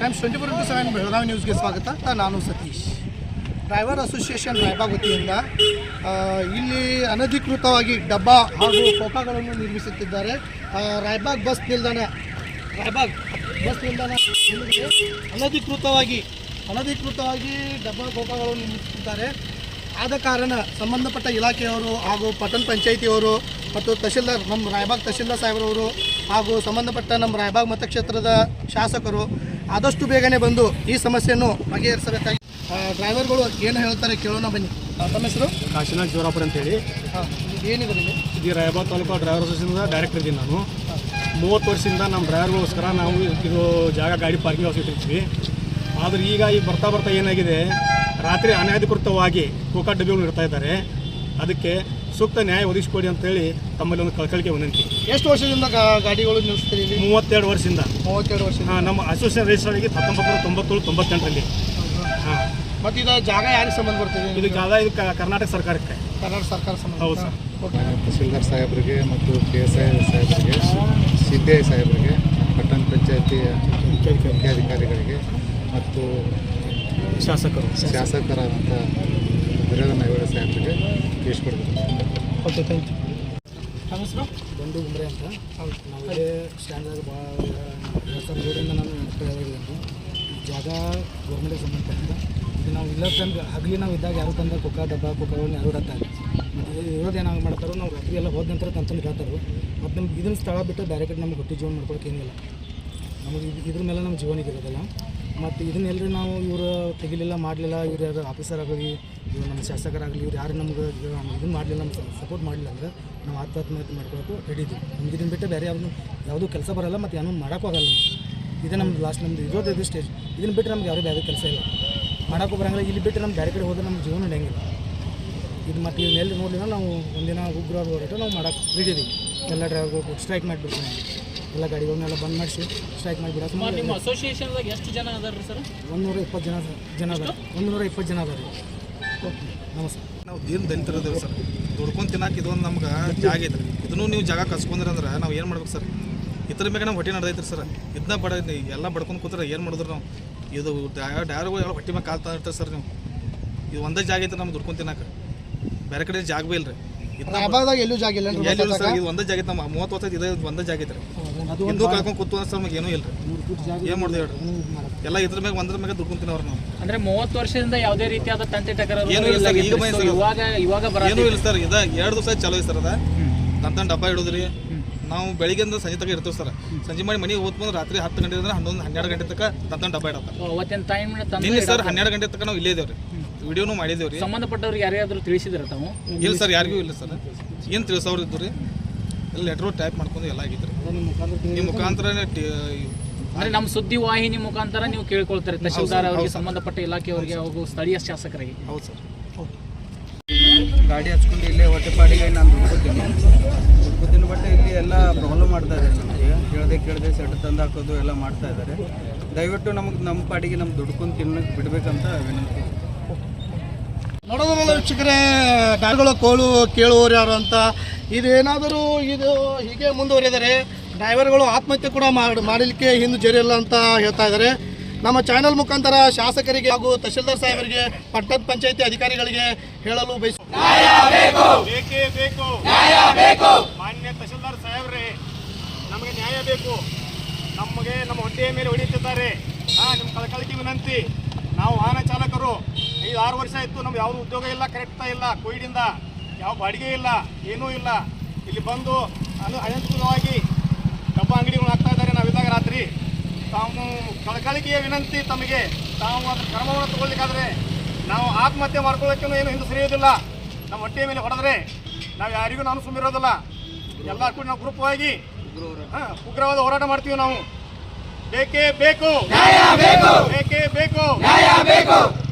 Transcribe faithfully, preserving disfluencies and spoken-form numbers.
Times twenty four into seven Belagavi ನ್ಯೂಸ್ಗೆ ಸ್ವಾಗತ. ನಾನು ಸತೀಶ್. ಡ್ರೈವರ್ ಅಸೋಸಿಯೇಷನ್ ರಾಯಬಾಗ್ ವತಿಯಿಂದ ಇಲ್ಲಿ ಅನಧಿಕೃತವಾಗಿ ಡಬ್ಬಾ ಹಾಗೂ ಕೋಕಾಗಳನ್ನು ನಿರ್ಮಿಸುತ್ತಿದ್ದಾರೆ. ರಾಯಬಾಗ್ ಬಸ್ ನಿಲ್ದಾಣ ರಾಯಬಾಗ್ ಬಸ್ ನಿಲ್ದಾಣ ಅನಧಿಕೃತವಾಗಿ ಅನಧಿಕೃತವಾಗಿ ಡಬ್ಬಾ ಕೋಕಾಗಳನ್ನು ನಿರ್ಮಿಸುತ್ತಿದ್ದಾರೆ. ಆದ ಕಾರಣ ಸಂಬಂಧಪಟ್ಟ ಇಲಾಖೆಯವರು ಹಾಗೂ ಪಟ್ಟಣ ಪಂಚಾಯಿತಿಯವರು ಮತ್ತು ತಹಶೀಲ್ದಾರ್ ನಮ್ಮ ರಾಯಬಾಗ್ ತಹಶೀಲ್ದಾರ್ ಸಾಹೇಬರವರು ಹಾಗೂ ಸಂಬಂಧಪಟ್ಟ ನಮ್ಮ ರಾಯಬಾಗ್ ಮತಕ್ಷೇತ್ರದ ಶಾಸಕರು ಆದಷ್ಟು ಬೇಗನೆ ಬಂದು ಈ ಸಮಸ್ಯೆಯನ್ನು ಬಗೆಹರಿಸಬೇಕಾಗಿ ಡ್ರೈವರ್ಗಳು ಏನು ಹೇಳ್ತಾರೆ ಕೇಳೋಣ ಬನ್ನಿ. ತಮ್ಮ ಹೆಸರು? ಕಾಶಿನಾಥ್ ಜೋರಾಪುರ ಅಂತೇಳಿ. ಹಾಂ, ಏನಿದೆ ಇಲ್ಲಿ? ಇದು Raybag taluk driver association director ಇದ್ದೀನಿ ನಾನು. ಮೂವತ್ತು ವರ್ಷದಿಂದ ನಮ್ಮ ಡ್ರೈವರ್ಗೋಸ್ಕರ ನಾವು ಇದು ಜಾಗ ಗಾಡಿ ಪಾರ್ಕಿಂಗ್ ಹೌಸ್ ಇಟ್ಟಿರ್ತೀವಿ. ಆದರೆ ಈಗ ಈಗ ಬರ್ತಾ ಬರ್ತಾ ಏನಾಗಿದೆ, ರಾತ್ರಿ ಅನಧಿಕೃತವಾಗಿ ಕೋಕಾ ಡಬ್ಬಿಗಳು ಇಡ್ತಾ ಇದ್ದಾರೆ. ಅದಕ್ಕೆ ಸೂಕ್ತ ನ್ಯಾಯ ಒದಗಿಸಿಕೊಡಿ ಅಂತೇಳಿ ತಮ್ಮಲ್ಲಿ ಒಂದು ಕಳಕಳಿಕೆ ವಿನಂತಿ. ಎಷ್ಟು ವರ್ಷದಿಂದ ಗಾಡಿಗಳು ನಿಲ್ಲಿಸ್ತೀರಿ? ಮೂವತ್ತೆರಡು ವರ್ಷದಿಂದ. ಮೂವತ್ತೆರಡು ವರ್ಷ. ಹಾಂ, ನಮ್ಮ ಅಸೋಸಿಯೇಷನ್ ರಿಜಿಸ್ಟರ್ ಆಗಿ ಹತ್ತೊಂಬತ್ತು ನೂರ ತೊಂಬತ್ತೇಳು ತೊಂಬತ್ತೆಂಟರಲ್ಲಿ. ಹಾಂ, ಮತ್ತು ಇದು ಜಾಗ ಯಾರಿಗೆ ಸಂಬಂಧ ಬರ್ತದೆ? ಇದು ಜಾಗ ಇದು ಕರ್ನಾಟಕ ಸರ್ಕಾರಕ್ಕೆ. ಕರ್ನಾಟಕ ಸರ್ಕಾರ ಸಂಬಂಧ. ಹೌದು ಸರ್. ತಹಶೀಲ್ದಾರ್ ಸಾಹೇಬರಿಗೆ ಮತ್ತು ಕೆ ಎಸ್ ಐ ಸಾಹೇಬರಿಗೆ, ಸಿ ಪಿ ಐ ಸಾಹೇಬರಿಗೆ, ಪಟ್ಟಣ ಪಂಚಾಯತಿ ಮುಖ್ಯಾಧಿಕಾರಿಗಳಿಗೆ ಮತ್ತು ಶಾಸಕರು ಶಾಸಕರಾದಂಥ ವೀರೇಂದ್ರ ನಾಯ್ಗೌಡ ಸಾಹೇಬರಿಗೆ ತಿಳಿಸ್ಕೊಡ್ಬೇಕು. Okay, thank you. ನಮ್ಮ ಹೆಸರು? ಬಂದು ಗುಮ್ರೆ ಅಂತ. ಹೌದು, ನಾವು ಇದೇ ಸ್ಟ್ಯಾಂಡ್ದಾಗ ಭಾಳ ಎರಡು ಸಾವಿರದ ಏಳರಿಂದ ನಾನು ಹೇಳಿದ್ದೇನೆ. ಜಾಗ ಗೌರ್ಮೆಂಟಿಗೆ ಸಂಬಂಧಪಟ್ಟಿದ್ದ. ಇದು ನಾವು ಇಲ್ಲ ತಂದು ಹಗಲಿ ನಾವು ಇದ್ದಾಗ ಯಾರು ತಂದ ಕೊಕ್ಕ ಡಬ್ಬ ಕೊಕ್ಕಗಳನ್ನ ಯಾರು ಇಡತ್ತಾರೆ. ಮತ್ತು ಇರೋದು ಏನಾಗಿ ಮಾಡ್ತಾರೋ, ನಾವು ರಾತ್ರಿ ಎಲ್ಲ ಹೋದ ನಂತರ ತಂತಂದು ಇಡತ್ತಾರೋ. ಮತ್ತು ನಮ್ಗೆ ಇದನ್ನು ಸ್ಥಳ ಬಿಟ್ಟು ಬೇರೆ ಕಡೆ ನಮ್ಗೆ ಹೊಟ್ಟೆ ಜೀವನ ಮಾಡ್ಕೊಳಕ್ಕೆ ಏನಿಲ್ಲ. ನಮಗೆ ಇದ್ರ ಮೇಲೆ ನಮ್ಮ ಜೀವನಿಗೆ ಇರೋದಿಲ್ಲ. ಮತ್ತು ಇದನ್ನೆಲ್ಲರೂ ನಾವು ಇವರು ತೆಗಿಲಿಲ್ಲ ಮಾಡಲಿಲ್ಲ, ಇವ್ರು ಯಾರು ಆಫೀಸರ್ ಆಗಲಿ, ಇವರು ನಮ್ಮ ಶಾಸಕರಾಗಲಿ, ಇವ್ರು ಯಾರು ನಮ್ಗೆ ಇದನ್ನು ಮಾಡಲಿಲ್ಲ, ನಮ್ಗೆ ಸಪೋರ್ಟ್ ಮಾಡಲಿಲ್ಲ ಅಂದರೆ ನಾವು ಆತ್ಮಹತ್ಯೆ ಮಾಡ್ಕೊಳ್ಳೋಕೆ ರೆಡಿ ಇದ್ದೀವಿ. ನಮ್ಗೆ ಇದನ್ನು ಬಿಟ್ಟು ಬೇರೆ ಯಾವುದು ಯಾವುದೂ ಕೆಲಸ ಬರೋಲ್ಲ ಮತ್ತು ಏನೂ ಮಾಡೋಕ್ಕೂ ಆಗಲ್ಲ. ಇದೇ ನಮ್ದು ಲಾಸ್ಟ್ ನಮ್ದು ಇರೋದು ಇದು ಸ್ಟೇಜ್. ಇದನ್ನು ಬಿಟ್ಟರೆ ನಮ್ಗೆ ಯಾವುದೇ ಬೇರೆ ಕೆಲಸ ಇಲ್ಲ, ಮಾಡೋಕ್ಕೂ ಬರೋಂಗಿಲ್ಲ. ಇಲ್ಲಿ ಬಿಟ್ಟು ನಮ್ಮ ಬೇರೆ ಕಡೆ ಹೋದ್ರೆ ನಮ್ಮ ಜೀವನ ನಡೆಯಂಗಿಲ್ಲ. ಇದು ಮತ್ತು ಇದನ್ನೆಲ್ಲಿ ನೋಡಲಿಲ್ಲ ನಾವು ಒಂದಿನ ಉಗ್ರ ಹೋರಾಟ ನಾವು ಮಾಡೋಕೆ ರೆಡಿ ಇದ್ದೀವಿ. ಎಲ್ಲ ಡ್ರೈವರ್ಗಳು ಸ್ಟ್ರೈಕ್ ಮಾಡಿಬಿಡ್ತೀವಿ. ಎಲ್ಲ ಗಾಡಿಗಳನ್ನೆಲ್ಲ ಬಂದ್ ಮಾಡಿಸಿ ಸ್ಟ್ರೈಕ್ ಮಾಡಿಬಿಡೋದು. ನಿಮ್ಮ ಅಸೋಸಿಯೇಷನ್ದಾಗ ಎಷ್ಟು ಜನ ಅದಾರ ಸರ್? ಒಂದೂರ ಇಪ್ಪತ್ತು ಜನ ಜನ ಅದಾರ ಒಂದೂರ ಇಪ್ಪತ್ತು ಜನ ಅದಾರ. ಓಕೆ, ನಮಸ್ತೆ. ನಾವು ದೀನ ದಲಿತರದೇವೆ ಸರ್. ದುಡ್ಕೊಂಡು ತಿನ್ನಕ್ಕೆ ಇದೊಂದು ನಮ್ಗೆ ಜಾಗ ಐತೆ. ಇದನ್ನು ನೀವು ಜಾಗ ಕಸ್ಕೊಂಡ್ರಿ ಅಂದ್ರೆ ನಾವು ಏನು ಮಾಡ್ಬೇಕು ಸರ್? ಇತರ ಮೇಲೆ ನಾವು ಹೊಟ್ಟೆ ನಡೆದೈತ್ರಿ ಸರ್. ಇದನ್ನ ಬಡ ಎಲ್ಲ ಬಡ್ಕೊಂಡು ಕೂತ್ರೆ ಏನು ಮಾಡಿದ್ರು ನಾವು? ಇದು ಡ್ರೈವರ್ಗಳು ಎಲ್ಲ ಹೊಟ್ಟೆ ಮೇಲೆ ಕಾಲ್ತಾ ಇರ್ತಾರೆ ಸರ್. ನೀವು ಇದು ಒಂದೇ ಜಾಗ ಐತೆ ನಮ್ಗೆ ದುಡ್ಕೊಂಡು ತಿನ್ನಕ್ಕೆ, ಬೇರೆ ಕಡೆ ಜಾಗ ಭೀ ಇಲ್ಲ ರೀ. ರಾಯಬಾಗ್ದಾಗ ಎಲ್ಲೂ ಜಾಗ ಇಲ್ಲ ಎಲ್ಲಿ ಸರ್? ಇದು ಒಂದೇ ಜಾಗ ಐತೆ. ನಮ್ಮ ಮೂವತ್ತು ವರ್ಷ ಇದು ಒಂದೇ ಜಾಗ ಐತೆ ರೀ. ಹಿಂದೂ ಕಳ್ಕೊಂಡು ಕೂತು ಸರ್ ನಮಗೆ ಏನೂ ಇಲ್ಲ ರೀ. ಏನು ಮಾಡಿದೆ ಹೇಳ್ರಿ? ಎಲ್ಲ ಇದ್ರ ಮ್ಯಾಗ ಒಂದ್ರ ಮ್ಯಾಗ ದುಡ್ಕೊಂಡು ತಿನ್ನೋರು ನಾವು. ಅಂದ್ರೆ ಮೂವತ್ತು ವರ್ಷದಿಂದ ಯಾವುದೇ ರೀತಿಯಾದ ತಂತಿ ಟಕರಾರು ಏನೂ ಇಲ್ಲ ಸರ್. ಈಗ ಬನ್ನಿ ಸರ್, ಇವಾಗ ಇವಾಗ ಬರ ಏನೂ ಇಲ್ಲ ಸರ್. ಇದು ಎರಡು ದಿವಸ ಚಲೋ ಐತೆ ಸರ್. ಅದ ತಂತನ ಡಬ್ಬ ಇಡೋದ್ರಿ. ನಾವು ಬೆಳಿಗ್ಗೆಯಿಂದ ಸಂಜೆ ತನಕ ಇರ್ತೀವಿ ಸರ್. ಸಂಜೆ ಮಾಡಿ ಮನೆಗೆ ಹೋದ್ ಬಂದ್ರೆ ರಾತ್ರಿ ಹತ್ತು ಗಂಟೆ ಅಂದ್ರೆ ಹನ್ನೊಂದು ಹನ್ನೆರಡು ಗಂಟೆ ತನಕ ತಂತನ ಡಬ್ಬ ಇಡತ್ತ. ಅವತ್ತಿನ ಟೈಮ್ ನಿನ್ನೆ ಸರ್ ಹನ್ನೆರಡು ಗಂಟೆ ತನಕ ನಾವು ಇಲ್ಲೇ ಇದೇವ್ರಿ. ವಿಡಿಯೋನು ಮಾಡಿದೇವ್ರಿ. ಸಂಬಂಧಪಟ್ಟವ್ರಿಗೆ ಯಾರ್ಯಾದ್ರು ತಿಳಿಸಿದ್ರ ತಾವು? ಇಲ್ಲ ಸರ್, ಯಾರಿಗೂ ಇಲ್ಲ ಸರ್. ಏನು ತಿಳಿಸೋರು ಇದ್ದು ರೀ. ಎಲ್ಲ ಲೆಟ್ರು ಟೈಪ್ ಮಾಡ್ಕೊಂಡು ಎಲ್ಲ ಆಗಿತ್ತು ರೀ. ನಿಮ್ಮ ಮುಖಾಂತರ ಅಂದ್ರೆ ನಮ್ಮ ಸುದ್ದಿ ವಾಹಿನಿ ಮುಖಾಂತರ ನೀವು ಕೇಳ್ಕೊಳ್ತಾರೆ ತಹಶೀಲ್ದಾರ್ ಅವರಿಗೆ, ಸಂಬಂಧಪಟ್ಟ ಇಲಾಖೆಯವರಿಗೆ ಹಾಗೂ ಸ್ಥಳೀಯ ಶಾಸಕರಿಗೆ. ಹೌದು ಸರ್. ಗಾಡಿ ಹಚ್ಕೊಂಡು ಇಲ್ಲೇ ಹೊಟ್ಟೆಪಾಡಿಗೆ ನಾನು ದುಡ್ಕೋತೀನಿ ದುಡ್ಕೋತೀನಿ ಬಟ್ ಇಲ್ಲಿ ಎಲ್ಲ ಪ್ರಾಬ್ಲಮ್ ಮಾಡ್ತಾ ಇದ್ದಾರೆ. ನಮಗೆ ಕೇಳದೆ ಕೇಳದೆ ಸೆಟ್ ತಂದು ಹಾಕೋದು ಎಲ್ಲ ಮಾಡ್ತಾ ಇದ್ದಾರೆ. ದಯವಿಟ್ಟು ನಮಗೆ ನಮ್ಮ ಪಾಡಿಗೆ ನಮ್ಮ ದುಡ್ಕೊಂಡು ತಿನ್ನಕ್ಕೆ ಬಿಡಬೇಕಂತ ವಿನಂತಿ. ನೋಡೋದ್ರಲ್ಲ ವೀಕ್ಷಕರೇ, ಗಾಡಿಗಳ ಕೋಳು ಕೇಳುವವರು ಯಾರು ಅಂತ. ಇದೇನಾದರೂ ಇದು ಹೀಗೆ ಮುಂದುವರಿದರೆ ಡ್ರೈವರ್ಗಳು ಆತ್ಮಹತ್ಯೆ ಕೂಡ ಮಾಡಿ ಮಾಡಲಿಕ್ಕೆ ಹಿಂದೆ ಜರಿಯಲ್ಲ ಅಂತ ಹೇಳ್ತಾ ಇದ್ದಾರೆ. ನಮ್ಮ ಚಾನೆಲ್ ಮುಖಾಂತರ ಶಾಸಕರಿಗೆ ಹಾಗೂ ತಹಶೀಲ್ದಾರ್ ಸಾಹೇಬರಿಗೆ, ಪಟ್ಟಣ ಪಂಚಾಯಿತಿ ಅಧಿಕಾರಿಗಳಿಗೆ ಹೇಳಲು ಬಯಸುತ್ತೇವೆ. ಬೇಕೇ ಬೇಕು, ಮಾನ್ಯ ತಹಶೀಲ್ದಾರ್ ಸಾಹೇಬ್ರೆ, ನಮಗೆ ನ್ಯಾಯ ಬೇಕು. ನಮಗೆ ನಮ್ಮ ಹೊಟ್ಟೆಯ ಮೇಲೆ ಹೊಡೆಯುತ್ತಿದ್ದಾರೆ. ಹಾಂ, ನಿಮ್ಮ ಕಳಕಳಿಕೆ ವಿನಂತಿ. ನಾವು ವಾಹನ ಚಾಲಕರು. ಐದು ಆರು ವರ್ಷ ಆಯಿತು, ನಮ್ಗೆ ಯಾವುದು ಉದ್ಯೋಗ ಇಲ್ಲ, ಕರೆಕ್ಟಾ ಇಲ್ಲ. ಕೋವಿಡಿಂದ ಯಾವ ಬಾಡಿಗೆ ಇಲ್ಲ, ಏನೂ ಇಲ್ಲ. ಇಲ್ಲಿ ಬಂದು ಅನು ಅನಂತವಾಗಿ ಡಬ್ಬ ಅಂಗಡಿಗಳು ಹಾಕ್ತಾ ಇದ್ದಾರೆ. ನಾವಿದ್ದಾಗ ರಾತ್ರಿ ತಾವು ಕಳಕಳಿಕೆಯ ವಿನಂತಿ ತಮಗೆ, ತಾವು ಅದ್ರ ಕ್ರಮವನ್ನು ತಗೊಳ್ಳಿಕ್ಕಾದ್ರೆ ನಾವು ಆತ್ಮಹತ್ಯೆ ಮಾಡ್ಕೊಳ್ಳೋಕ್ಕೂ ಏನು ಹಿಂದೆ ಸರಿಯೋದಿಲ್ಲ. ನಮ್ಮ ಹೊಟ್ಟೆಯ ಮೇಲೆ ಹೊಡೆದ್ರೆ ನಾವು ಯಾರಿಗೂ ನಾನು ಸುಮ್ಮಿರೋದಿಲ್ಲ. ಎಲ್ಲ ಕೂಡ ನಾವು ಗ್ರೂಪವಾಗಿ ಹಾಂ ಉಗ್ರವಾದ ಹೋರಾಟ ಮಾಡ್ತೀವಿ ನಾವು. ಬೇಕೇ ಬೇಕು, ಬೇಕೇ ಬೇಕು.